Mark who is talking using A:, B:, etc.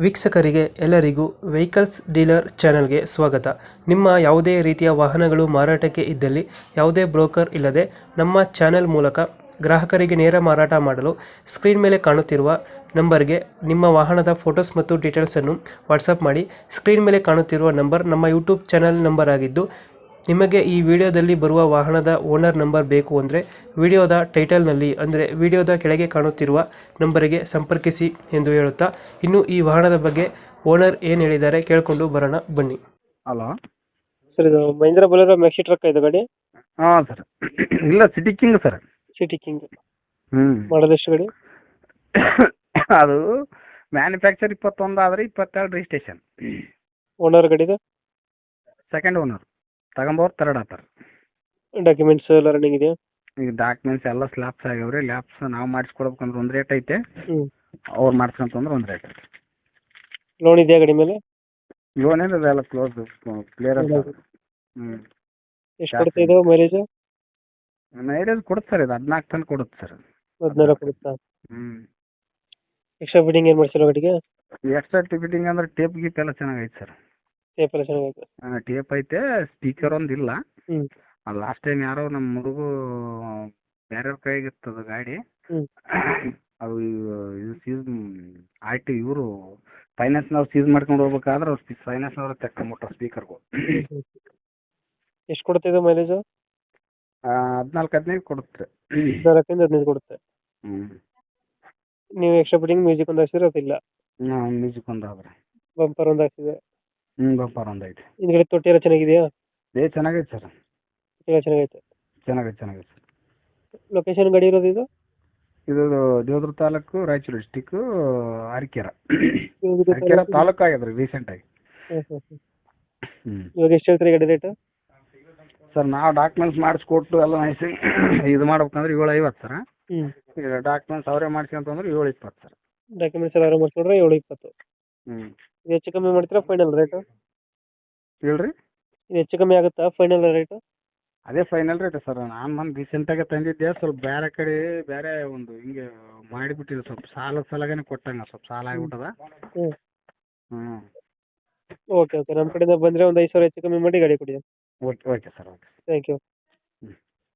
A: ವೀಕ್ಷಕರಿಗೆ ಎಲ್ಲರಿಗೂ vehicles dealer ಚಾನೆಲ್ಗೆ ಸ್ವಾಗತ. ನಿಮ್ಮ ಯಾವುದೇ ರೀತಿಯ ವಾಹನಗಳು ಮಾರಾಟಕ್ಕೆ ಇದ್ದಲ್ಲಿ ಯಾವುದೇ ಬ್ರೋಕರ್ ಇಲ್ಲದೆ ನಮ್ಮ ಚಾನೆಲ್ ಮೂಲಕ ಗ್ರಾಹಕರಿಗೆ ನೇರ ಮಾರಾಟ ಮಾಡಲು ಸ್ಕ್ರೀನ್ ಮೇಲೆ ಕಾಣುತ್ತಿರುವ ನಂಬರ್ಗೆ ನಿಮ್ಮ ವಾಹನದ ಫೋಟೋಸ್ ಮತ್ತು ಡೀಟೇಲ್ಸನ್ನು ವಾಟ್ಸಪ್ ಮಾಡಿ. ಸ್ಕ್ರೀನ್ ಮೇಲೆ ಕಾಣುತ್ತಿರುವ ನಂಬರ್ ನಮ್ಮ ಯೂಟ್ಯೂಬ್ ಚಾನೆಲ್ ನಂಬರ್ ಆಗಿದ್ದು, ನಿಮಗೆ ಈ ವಿಡಿಯೋದಲ್ಲಿ ಬರುವ ವಾಹನದ ಓನರ್ ನಂಬರ್ ಬೇಕು ಅಂದರೆ ವಿಡಿಯೋದ ಟೈಟಲ್ನಲ್ಲಿ ಅಂದರೆ ವಿಡಿಯೋದ ಕೆಳಗೆ ಕಾಣುತ್ತಿರುವ ನಂಬರಿಗೆ ಸಂಪರ್ಕಿಸಿ ಎಂದು ಹೇಳುತ್ತಾ, ಇನ್ನು ಈ ವಾಹನದ ಬಗ್ಗೆ ಓನರ್ ಏನು ಹೇಳಿದ್ದಾರೆ ಕೇಳಿಕೊಂಡು ಬರೋಣ ಬನ್ನಿ.
B: ಹಲೋ.
A: ಸರ್, ಇದು ಮಹೀಂದ್ರ ಬೊಲೆರೋ ಮ್ಯಾಕ್ಸಿ ಟ್ರಕ್ ಇದು ಗಾಡಿ?
B: ಹಾಂ ಸರ್. ಇಲ್ಲ, city king sir.
A: City king
B: ಹ್ಞೂ.
A: ಮಾಡೋದು ಎಷ್ಟು ಗಾಡಿ?
B: ಅದು ಮ್ಯಾನುಫ್ಯಾಕ್ಚರ್ 21 ಆದರೆ 22 ರಿಜಿಸ್ಟ್ರೇಷನ್.
A: ಓನರ್ ಗಾಡಿದು?
B: Second owner. ತಗೊಂಬೋರು ಥರ್ಡ್ ಆತಾರೆ.
A: ಡಾಕ್ಯುಮೆಂಟ್ಸ್ ಎಲ್ಲ ರನ್ನಿಂಗ್ ಇದೆಯಾ?
B: ಈಗ ಡಾಕ್ಯುಮೆಂಟ್ಸ್ ಎಲ್ಲ ಸ್ಲ್ಯಾಪ್ಸ್ ಆಗ್ಯಾವ್ರಿ. ಲ್ಯಾಪ್ಸ್ ನಾವು ಮಾಡಿಸ್ಕೊಡ್ಬೇಕಂದ್ರೆ ಒಂದು ರೇಟ್ ಐತೆ,
A: ಹ್ಞೂ.
B: ಅವ್ರು ಮಾಡಿಸ್ಕೊಂತಂದ್ರೆ ಒಂದು ರೇಟ್ ಐತೆ.
A: ಲೋನ್ ಇದೆಯಾ ಗಾಡಿ ಮೇಲೆ?
B: ಲೋನ್ ಏನಿದೆ, ಎಲ್ಲ ಕ್ಲೋಸ್ ಕ್ಲಿಯರ್ ಅಂತ. ಹ್ಞೂ.
A: ಎಷ್ಟು ಕೊಡ್ತಾ ಇದು ಮೈಲೇಜ್?
B: ಮೈಲೇಜ್ ಕೊಡುತ್ತೆ ಸರ್, ಇದು 14 ಟನ್ ಕೊಡುತ್ತೆ ಸರ್.
A: 14 ಕೊಡುತ್ತಾ?
B: ಹ್ಞೂ.
A: ಎಕ್ಸ್ಟ್ರಾ ಫಿಟ್ಟಿಂಗ್ ಏನು ಮಾಡ್ಸಿಲ್ಲ ಗಾಡಿಗೆ?
B: ಎಕ್ಸ್ಟ್ರಾ ಫಿಟ್ಟಿಂಗ್ ಅಂದ್ರೆ ಟೇಪ್ ಗೀಪ್ ಎಲ್ಲ ಚೆನ್ನಾಗೈತೆ ಸರ್.
A: ಟೇಪ್ ಎಲ್ಲ ಚೆನ್ನಾಗೈತೆ?
B: ಟೇಪ್ ಐತೆ, ಸ್ಪೀಕರ್ ಒಂದು ಇಲ್ಲ.
A: ಹ್ಞೂ.
B: ಅದು ಲಾಸ್ಟ್ ಟೈಮ್ ಯಾರೋ ನಮ್ಮ ಹುಡುಗು ಬೇರೆಯವ್ರ ಕೈಗಿರ್ತದ ಗಾಡಿ.
A: ಹ್ಞೂ.
B: ಅದು ಇದು ಸೀಸ್ ಆಯ್ತು, ಇವರು ಫೈನಾನ್ಸ್ನವ್ರು ಸೀಸ್ ಮಾಡ್ಕೊಂಡು ಹೋಗ್ಬೇಕಾದ್ರೆ ಅವ್ರು ಫೈನಾನ್ಸ್ನವ್ರು ತೆಕ್ಕೊಂಬಿಟ್ರು ಸ್ಪೀಕರ್ಗಳು.
A: ಎಷ್ಟು ಕೊಡುತ್ತೆ ಇದು ಮೈಲೇಜು?
B: 14-15 ಕೊಡುತ್ತೆ.
A: 14-15 ಕೊಡುತ್ತೆ.
B: ಹ್ಞೂ.
A: ನೀವು ಎಕ್ಸ್ಟ್ರಾ ಫಿಟ್ಟಿಂಗ್ ಮ್ಯೂಸಿಕ್ ಒಂದು ಹಾಕ್ಸಿದ್ರೆ ಅದಿಲ್ಲ?
B: ಮ್ಯೂಸಿಕ್ ಒಂದು ಆದ್ರೆ.
A: ಬಂಪರ್ ಒಂದು ಹಾಕ್ಸಿದೆ?
B: ಹ್ಞೂ, ಬಂಪರ್ ಒಂದು ಐತೆ.
A: ಹಿಂದ್ಗಡೆ ತೊಟ್ಟಿ ಎಲ್ಲ ಚೆನ್ನಾಗಿದೆಯಾ?
B: ಚೆನ್ನಾಗೈತೆ ಸರ್.
A: ಎಲ್ಲ ಚೆನ್ನಾಗೈತೆ?
B: ಚೆನ್ನಾಗೈತೆ ಸರ್.
A: ಲೊಕೇಶನ್ ಗಾಡಿ ಇರೋದು ಇದು?
B: ಇದು ದೇವದುರ್ಗ ತಾಲೂಕು, ರಾಯಚೂರು ಡಿಸ್ಟಿಕ್ಕು, ಅರಕೆರೆ ತಾಲೂಕು ಆಗ್ಯದ್ರಿ ರೀಸೆಂಟಾಗಿ. ಹ್ಞೂ.
A: ಇವಾಗ ಎಷ್ಟು ಹೇಳ್ತೀರಿ ಗಾಡಿ ರೇಟ್?
B: ಸರ್, ನಾವು ಡಾಕ್ಯುಮೆಂಟ್ಸ್ ಮಾಡಿಸ್ಕೊಟ್ಟು ಎಲ್ಲ ನೈಸ್ ಇದು ಮಾಡ್ಬೇಕಂದ್ರೆ 750 ಸರ್.
A: ಹ್ಞೂ.
B: ಈಗ ಡಾಕ್ಯುಮೆಂಟ್ಸ್ ಅವರೇ ಮಾಡ್ಸ್ಕೊಂತಂದ್ರೆ 720 ಸರ್.
A: ಡಾಕ್ಯುಮೆಂಟ್ಸ್ ಎಲ್ಲ ಮಾಡಿಸ್ಕೊಂಡ್ರೆ 720.
B: ಹ್ಞೂ.
A: ಇದು ಹೆಚ್ಚು ಕಮ್ಮಿ ಮಾಡ್ತೀರಾ ಫೈನಲ್ ರೇಟು?
B: ಹೇಳ್ರಿ.
A: ಇದು ಹೆಚ್ಚು ಕಮ್ಮಿ ಆಗುತ್ತಾ ಫೈನಲ್ ರೇಟು?
B: ಅದೇ ಫೈನಲ್ ರೇಟ್ ಸರ್. ನಾನು ಬಂದು ರೀಸೆಂಟಾಗೆ ತಂದಿದ್ದೆ, ಸ್ವಲ್ಪ ಬೇರೆ ಕಡೆ ಬೇರೆ ಒಂದು ಹಿಂಗೆ ಮಾಡಿಬಿಟ್ಟಿದೆ, ಸ್ವಲ್ಪ ಸಾಲದ ಸಲಗೇನೆ ಕೊಟ್ಟಂಗೆ ಸ್ವಲ್ಪ ಸಾಲ ಆಗಿಬಿಟ್ಟದ.
A: ಹ್ಞೂ.
B: ಹ್ಞೂ.
A: ಓಕೆ, ನಮ್ಮ ಕಡೆಯಿಂದ ಬಂದರೆ ಒಂದು 5,000 ಹೆಚ್ಚು ಕಮ್ಮಿ ಮಾಡಿ ಗಾಡಿ ಕೊಡಿ.
B: Okay sir, okay.
A: Thank you.